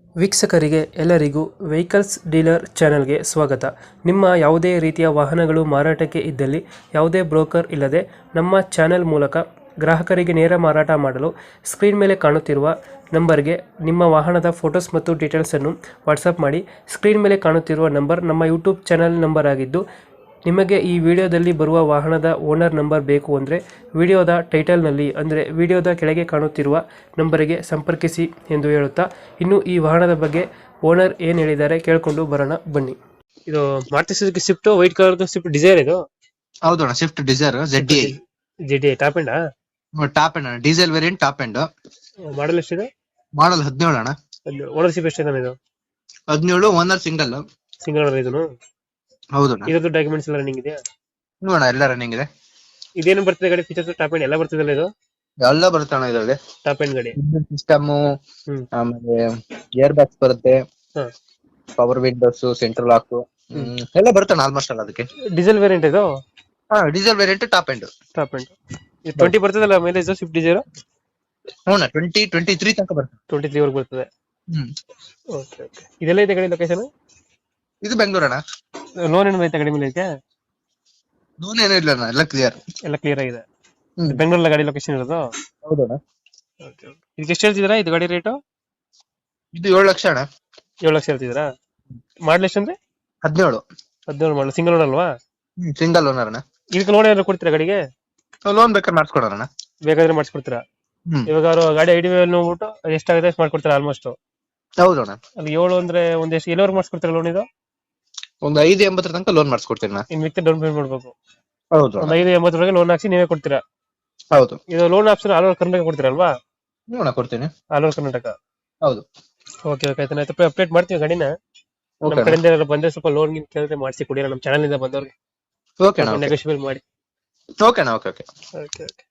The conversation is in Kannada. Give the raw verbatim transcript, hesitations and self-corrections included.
ವೀಕ್ಷಕರಿಗೆ ಎಲ್ಲರಿಗೂ ವೆಹಿಕಲ್ಸ್ ಡೀಲರ್ ಚಾನೆಲ್ಗೆ ಸ್ವಾಗತ. ನಿಮ್ಮ ಯಾವುದೇ ರೀತಿಯ ವಾಹನಗಳು ಮಾರಾಟಕ್ಕೆ ಇದ್ದಲ್ಲಿ ಯಾವುದೇ ಬ್ರೋಕರ್ ಇಲ್ಲದೆ ನಮ್ಮ ಚಾನೆಲ್ ಮೂಲಕ ಗ್ರಾಹಕರಿಗೆ ನೇರ ಮಾರಾಟ ಮಾಡಲು ಸ್ಕ್ರೀನ್ ಮೇಲೆ ಕಾಣುತ್ತಿರುವ ನಂಬರ್ಗೆ ನಿಮ್ಮ ವಾಹನದ ಫೋಟೋಸ್ ಮತ್ತು ಡೀಟೇಲ್ಸನ್ನು ವಾಟ್ಸಪ್ ಮಾಡಿ. ಸ್ಕ್ರೀನ್ ಮೇಲೆ ಕಾಣುತ್ತಿರುವ ನಂಬರ್ ನಮ್ಮ ಯೂಟ್ಯೂಬ್ ಚಾನೆಲ್ ನಂಬರ್ ಆಗಿದ್ದು, ನಿಮಗೆ ಈ ವಿಡಿಯೋದಲ್ಲಿ ಬರುವ ವಾಹನದ ಓನರ್ ನಂಬರ್ ಬೇಕು ಅಂದರೆ ವಿಡಿಯೋದ ಟೈಟಲ್ನಲ್ಲಿ ಅಂದರೆ ವಿಡಿಯೋದ ಕೆಳಗೆ ಕಾಣುತ್ತಿರುವ ನಂಬರಿಗೆ ಸಂಪರ್ಕಿಸಿ ಎಂದು ಹೇಳುತ್ತಾ, ಇನ್ನು ಈ ವಾಹನದ ಬಗ್ಗೆ ಓನರ್ ಏನು ಹೇಳಿದ್ದಾರೆ ಕೇಳಿಕೊಂಡು ಬರೋಣ ಬನ್ನಿ. ಇದು Maruti Suzuki Swift white colour Swift Dzire ಇದು. ಹೌದಣ್ಣ, Swift Dzire Z D G D top ಎಂಡಾ? ಟಾಪ್ ಎಂಡ್ ಅಣ್ಣ, diesel variant top end. Model ಎಷ್ಟಿದೆ? ಮಾಡಲ್ ಹದಿನೇಳು ಅಣ್ಣ. ಓನರ್ಶಿಪ್ ಎಷ್ಟಿದೆ ಇದು? ಹದಿನೇಳು, ಓನರ್ ಸಿಂಗಲ್. ಸಿಂಗಲ್ ಓನರ್ ಇದನ್ನು? ಹೌದಣ್ಣ. ಇದರದ್ದು ಡಾಕ್ಯುಮೆಂಟ್ಸ್ ಎಲ್ಲ ರನ್ನಿಂಗ್ ಇದೆಯಾ? ನೋಡೋಣ, ಎಲ್ಲ ರನ್ನಿಂಗ್ ಇದೆ. ಇದೇನು ಬರ್ತದೆ ಗಾಡಿ ಫೀಚರ್ಸ್? ಟಾಪ್ ಎಂಡ್ ಎಲ್ಲ ಬರ್ತದಲ್ಲ ಇದು? ಎಲ್ಲ ಬರುತ್ತೆ ಅಣ್ಣ ಇದರಲ್ಲಿ. ಟಾಪ್ ಎಂಡ್ ಗಾಡಿ ಸಿಸ್ಟಮ್, ಹ್ಮ್ ಆಮೇಲೆ ಏರ್ ಬ್ಯಾಗ್ಸ್ ಬರುತ್ತೆ, ಹಾ. ಪವರ್ ವಿಂಡೋಸ್, ಸೆಂಟ್ರಲ್ ಲಾಕ್ ಎಲ್ಲ ಬರುತ್ತೆ ಆಲ್ಮೋಸ್ಟ್ ಅಲ್ಲ. ಅದಕ್ಕೆ ಡೀಸೆಲ್ ವೇರಿಯಂಟ್ ಇದು? ಹಾ, diesel variant top end. Top end twenty ಬರ್ತದಲ್ಲ ಮೈಲೇಜ್ ಸ್ವಿಫ್ಟ್ ಡಿಸೈರ್? ಹ್ಞೂ, ಟ್ವೆಂಟಿ ಟ್ವೆಂಟಿ ತ್ರೀ ತನಕ ಬರುತ್ತೆ. ಟ್ವೆಂಟಿ ತ್ರೀ ವರ್ಗ ಬರ್ತದೆ. ಹ್ಮ್ ಓಕೆ ಓಕೆ. ಇದೆಲ್ಲ ಇದೆ ಗಾಡಿ ಲೊಕೇಶನ್? ಇದು ಬೆಂಗಳೂರು ಅಣ್ಣ. ಲೋನ್ ಏನು ಐತೆ ಗಾಡಿ ಮೇಲೆ ಐತೆ? ಲೋನ್ ಏನೂ ಇಲ್ಲ ಅಣ್ಣ, ಎಲ್ಲ ಕ್ಲಿಯರ್. ಎಲ್ಲ ಕ್ಲಿಯರ್ ಆಗಿದೆ. ಹ್ಮ್. ಬೆಂಗಳೂರಲ್ಲಿ ಗಾಡಿ ಲೊಕೇಶನ್ ಇರೋದು? ಹೌದಣ್ಣ. ಇದಕ್ಕೆ ಎಷ್ಟು ಹೇಳ್ತಿದ್ದೀರಾ ಇದು ಗಾಡಿ ರೇಟು? ಇದು ಏಳು ಲಕ್ಷ ಅಣ್ಣ. ಏಳು ಲಕ್ಷ ಹೇಳ್ತಿದ್ದೀರಾ? ಮಾಡಲ್ ಎಷ್ಟು ಅಂದ್ರೆ? ಹದಿನೇಳು. ಹದಿನೇಳು ಮಾಡಲ್, ಸಿಂಗಲ್ ಓನರ್ ಅಲ್ವಾ? ಹ್ಮ್, ಸಿಂಗಲ್ ಓನರ್ ಅಣ್ಣ. ಇದಕ್ಕೆ ಲೋನ್ ಏನಾದ್ರು ಕೊಡ್ತೀರಾ ಗಾಡಿಗೆ? ಲೋನ್ ಬೇಕಾದ್ರೆ ಮಾಡಿಸ್ಕೊಡೋಣ. ಬೇಕಾದ್ರೆ ಮಾಡಿಸ್ಕೊಡ್ತೀರಾ? ಹ್ಮ್. ಇವಾಗ ಅವ್ರು ಗಾಡಿ ಐಡಿ ನೋಡ್ಬಿಟ್ಟು ಎಷ್ಟಾಗುತ್ತೆ ಅಷ್ಟು ಮಾಡ್ಕೊಡ್ತೀರಾ ಆಲ್ಮೋಸ್ಟ್? ಹೌದಣ್ಣ. ಅಲ್ಲಿ ಏಳು ಅಂದ್ರೆ ಒಂದ್ ಎಷ್ಟು ಎಲ್ಲವರೆಗೂ ಮಾಡಿಸ್ಕೊಡ್ತೀರಾ ಲೋನ್ ಇದು? ಒಂದು ಐದು ಎಂಬತ್ತರ ತನಕ ಲೋನ್ ಮಾಡಿಸ್ಕೊಡ್ತೀನಿ ನಾ. ಇನ್ ಮಿಕ್ಕಿದ ಡೌನ್ ಪೇಮೆಂಟ್ ಮಾಡ್ಬೇಕು. ಹೌದು ಒಂದ್ ಐದು ಎಂಬತ್ತರೊಳಗೆ ಲೋನ್ ಹಾಕ್ಸಿ ನೀವೇ ಕೊಡ್ತೀರಾ? ಹೌದು. ಇದು loan option all over Karnataka ಕೊಡ್ತೀರಲ್ವಾ? ನೋಡ ಕೊಡ್ತೀನಿ. All over Karnataka. ಹೌದು. ಓಕೆ ಓಕೆ ಆಯ್ತು, ಆಯ್ತು ಅಪ್ಡೇಟ್ ಮಾಡ್ತೀವಿ ಗಾಡಿನ. ನಮ್ಮ ಓಕೆ ಕಡೆಯಿಂದ ಏನಾದ್ರು ಬಂದ್ರೆ ಸ್ವಲ್ಪ ಲೋನ್ ಗಿನ್ ಕೇಳಿದ್ರೆ ಮಾಡಿಸಿ ಕೊಡಿರ ನಮ್ಮ ಚಾನಲ್ ಇಂದ ಬಂದವ್ರಿಗೆ. ಓಕೆ ನೆಗೋಷಿಯಬಲ್ ಮಾಡಿ. Okay okay okay. Okay okay.